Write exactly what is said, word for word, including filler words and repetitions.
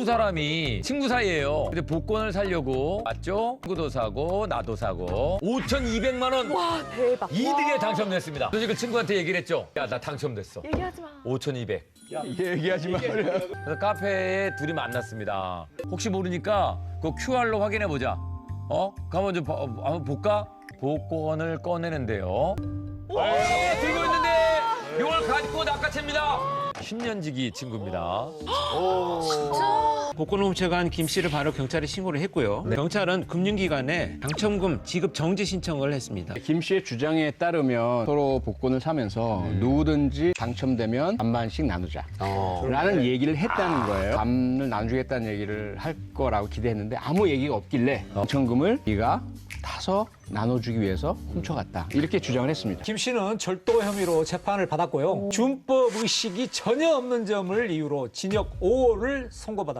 두 사람이 친구 사이예요. 근데 복권을 사려고 맞죠? 친구도 사고 나도 사고 오천이백만 원 와, 대박. 이득에 당첨됐습니다. 그래서 그 친구한테 얘기를 했죠. 야, 나 당첨됐어. 얘기하지 마. 오천이백. 얘기하지 마. 그래서 카페에 둘이 만났습니다. 혹시 모르니까 그 큐알로 확인해 보자. 어? 가만 좀 봐- 어, 한번 볼까? 복권을 꺼내는데요. 오! 들고 있는데 이걸 가지고 낚아챕니다. 십 년지기 친구입니다. 복권 훔쳐간 김 씨를 바로 경찰에 신고를 했고요. 경찰은 금융기관에 당첨금 지급 정지 신청을 했습니다. 김 씨의 주장에 따르면 서로 복권을 사면서 누구든지 당첨되면 반반씩 나누자 라는 얘기를 했다는 거예요. 반을 나눠주겠다는 얘기를 할 거라고 기대했는데 아무 얘기가 없길래 당첨금을 네가 타서 나눠주기 위해서 훔쳐갔다 이렇게 주장을 했습니다. 김 씨는 절도 혐의로 재판을 받았고요. 준법 의식이 전혀 없는 점을 이유로 징역 오 월을 선고받았습니다.